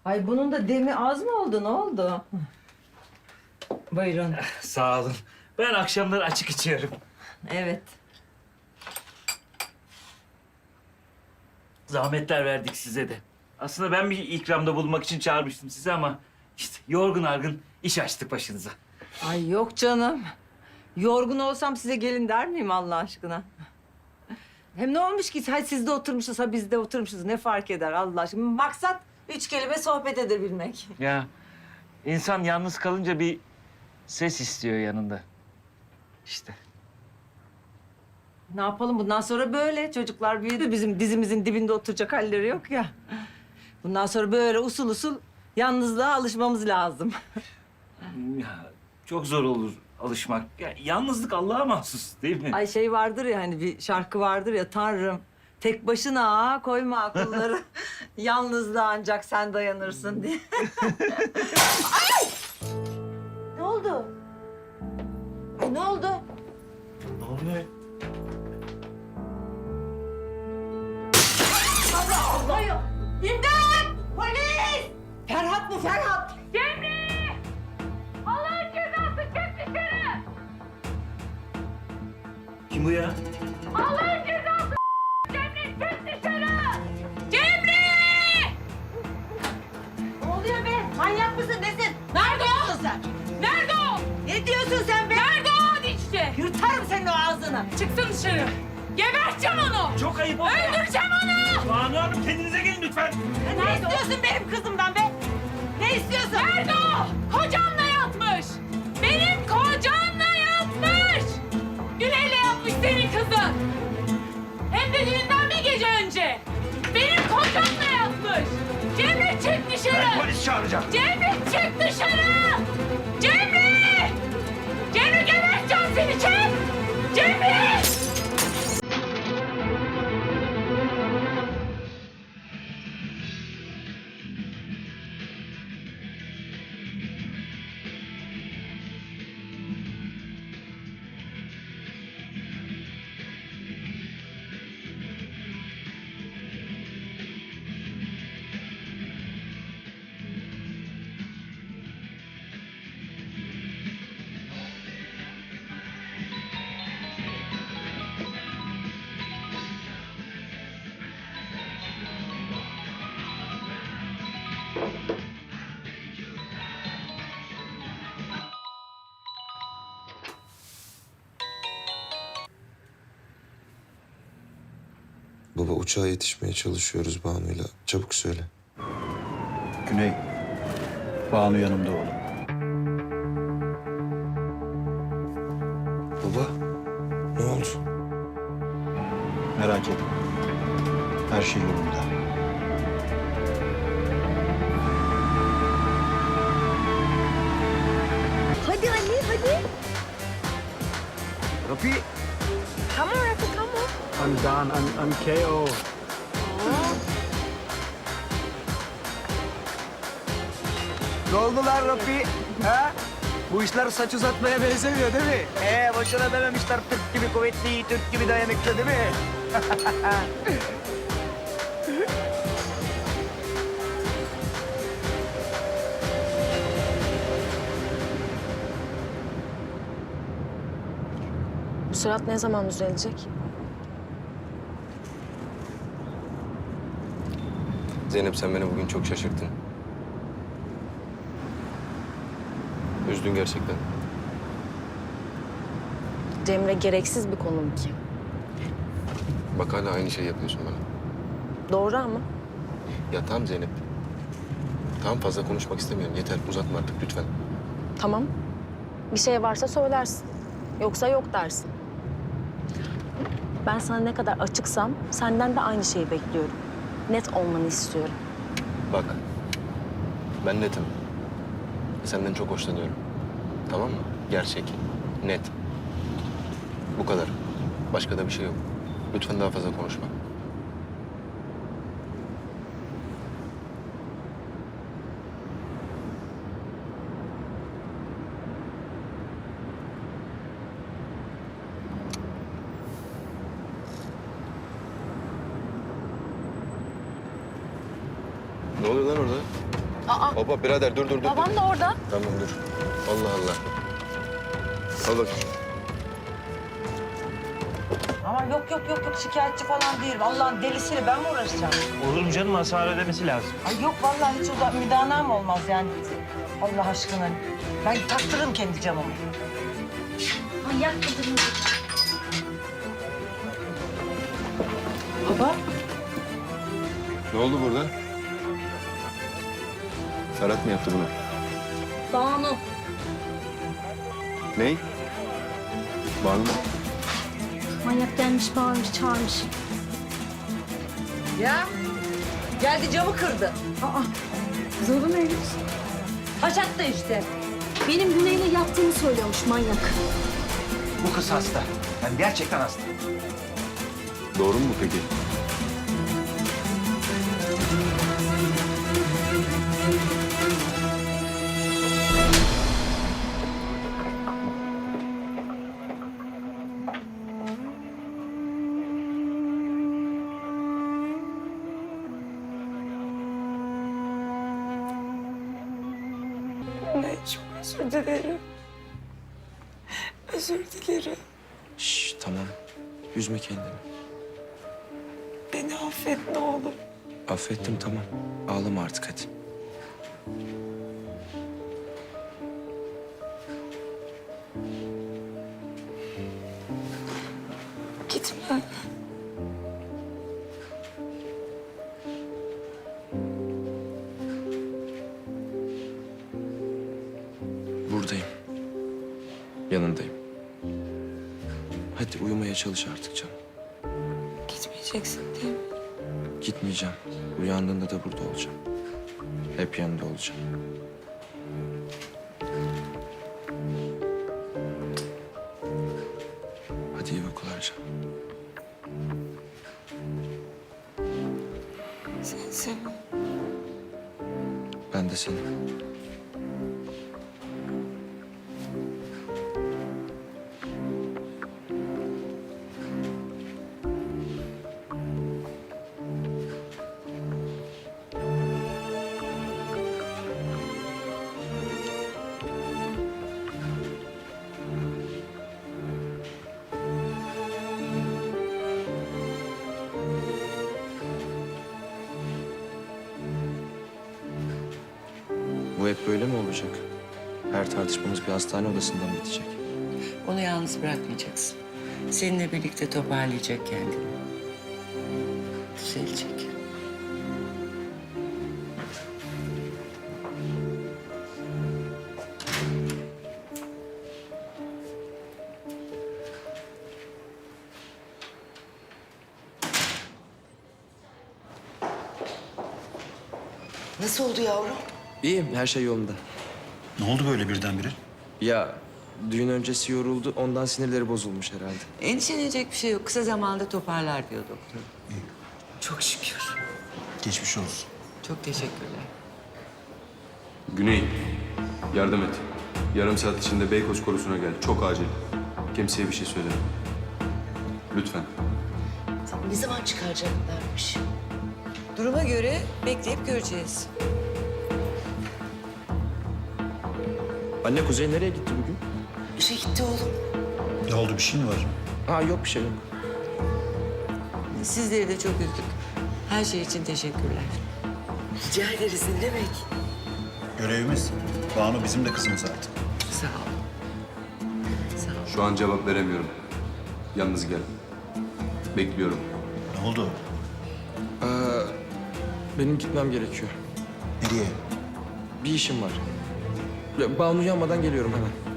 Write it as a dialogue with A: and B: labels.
A: Ay bunun da demi az mı oldu? Ne oldu? Buyurun.
B: Sağ olun. Ben akşamları açık içiyorum.
A: Evet.
B: Zahmetler verdik size de. Aslında ben bir ikramda bulunmak için çağırmıştım sizi ama... işte yorgun argın iş açtık başınıza.
A: Ay yok canım. Yorgun olsam size gelin der miyim Allah aşkına? Hem ne olmuş ki? Hay siz de oturmuşuz, ha biz de oturmuşuz. Ne fark eder Allah aşkına? Maksat 3 kelime sohbet edebilmek.
B: Ya insan yalnız kalınca bir ses istiyor yanında. İşte.
A: Ne yapalım bundan sonra böyle. Çocuklar büyüdü. Bizim dizimizin dibinde oturacak halleri yok ya. Bundan sonra böyle usul usul yalnızlığa alışmamız lazım.
B: Ya, çok zor olur alışmak. Ya, yalnızlık Allah'a mahsus değil mi?
A: Ay şey vardır ya hani bir şarkı vardır ya Tanrım. Tek başına koyma akılları. Yalnızlığa ancak sen dayanırsın diye. Ay! Ne oldu? Ay ne oldu?
B: Ne oluyor?
A: Allah Allah! İmdat! Polis! Ferhat mı Ferhat?
C: Cemre! Allah'ın cezası çık dışarı!
B: Kim bu ya?
C: Allah'ın cezası Cemre çık dışarı! Cemre!
A: Ne oluyor be? Manyak mısın nesin? Nerede o? Sen?
C: Nerede o?
A: Ne diyorsun sen be?
C: Nerede o dişçi?
A: Yırtarım senin o ağzını.
C: Çıksın dışarı. Geberteceğim onu.
B: Çok ayıp oldu.
C: Öldüreceğim onu.
B: Banu Hanım kendinize gelin lütfen.
A: Ne istiyorsun benim kızımdan be? Ne istiyorsun?
C: Nerede o? Kocamla yatmış. Benim kocamla yatmış. Güney'le yapmış senin kızın. Hem de düğünden bir gece önce. Benim kocamla yatmış. Cemre çık dışarı.
B: Polis çağıracağım.
C: Cemre çık dışarı. Cemre! Cemre geberteceğim seni çık. Cemre!
D: Baba uçağa yetişmeye çalışıyoruz Banu'yla. Çabuk söyle.
E: Güney, Banu yanımda oğlum.
D: Baba ne oldu?
E: Merak etme. Her şey yolunda.
A: Hadi Ali hadi.
F: Rafi,
A: Come on Rafi come on.
F: I'm done. I'm KO. Ne oldu lan Rafi? Ha? Bu işler saç uzatmaya benzemiyor değil mi? Boşuna dememişler Türk gibi kuvvetli, Türk gibi dayanıklı değil mi?
G: Bu surat ne zaman düzelecek?
D: Zeynep sen beni bugün çok şaşırttın. Üzdün gerçekten.
G: Cemre gereksiz bir konum ki.
D: Bak hala aynı şey yapıyorsun bana.
G: Doğru ama
D: Ya tamam Zeynep. Tamam fazla konuşmak istemiyorum. Yeter uzatma artık lütfen.
G: tamam. Bir şey varsa söylersin. Yoksa yok dersin. Ben sana ne kadar açıksam senden de aynı şeyi bekliyorum. Net olmanı istiyorum.
D: Bak ben netim. Senden çok hoşlanıyorum. Tamam mı? Gerçek, net. Bu kadar. Başka da bir şey yok. Lütfen daha fazla konuşma. Ne oluyor lan orada?
G: Aa,
D: Hop birader dur.
G: babam da orada.
D: Tamam dur. Allah Allah. Al bak.
A: Ama yok şikayetçi falan değilim. Allah'ın delisiyle ben mi uğraşacağım?
B: Olur mu canım? Hasar ödemesi lazım.
A: Ay yok vallahi hiç müdanam olmaz yani. Allah aşkına. Ben taktırırım kendi camımı.
G: Manyak kadın.
A: Baba.
D: Ne oldu burada? Ferhat mı yaptı bunu?
G: Banu.
D: Ney? Banu mu?
G: Manyak gelmiş, bağırmış, çağırmış.
A: Ya. Geldi camı kırdı.
G: Zorun neymiş?
A: Haşat da işte.
G: Benim Güney'le yattığını söylüyormuş manyak.
F: Bu kız hasta. Yani gerçekten hasta.
D: Doğru mu peki?
H: Şş, tamam. Üzme kendini.
I: Beni affet ne olur.
H: Affettim tamam. Ağlama artık hadi.
I: Gitme.
H: Buradayım. Yanındayım. Hadi uyumaya çalış artık canım.
I: Gitmeyeceksin değil mi?
H: Gitmeyeceğim. Uyandığında da burada olacağım. Hep yanında olacağım. Hadi iyi uykular canım.
I: Seni seviyorum.
H: Ben de seni. Bu hep böyle mi olacak? Her tartışmamız bir hastane odasından bitecek.
J: Onu yalnız bırakmayacaksın. Seninle birlikte toparlayacak kendini. Düzelecek. Nasıl oldu yavrum?
H: İyiyim, her şey yolunda.
E: Ne oldu böyle birdenbire?
H: Ya düğün öncesi yoruldu, ondan sinirleri bozulmuş herhalde.
J: Endişelenecek bir şey yok. Kısa zamanda toparlar diyor doktor. Çok şükür.
E: Geçmiş olsun.
J: Çok teşekkürler.
D: Güney, yardım et. Yarım saat içinde Beykoz Korusu'na gel. Çok acil. Kimseye bir şey söyleme. Lütfen.
J: Ne zaman çıkaracaklarmış? Duruma göre bekleyip göreceğiz.
H: Anne Kuzey nereye gitti bugün?
J: İşe gitti oğlum.
E: Ne oldu, bir şey mi var?
H: Ha yok bir şey yok.
J: Sizleri de çok üzdük. Her şey için teşekkürler. Rica ederiz ne demek?
E: Görevimiz. Banu bizim de kızımız artık.
J: Sağ ol. Sağ ol.
D: Şu an cevap veremiyorum. Yalnız gel. Bekliyorum.
E: Ne oldu?
H: Benim gitmem gerekiyor.
E: Nereye?
H: Bir işim var. Ya, Banu uyanmadan geliyorum hemen.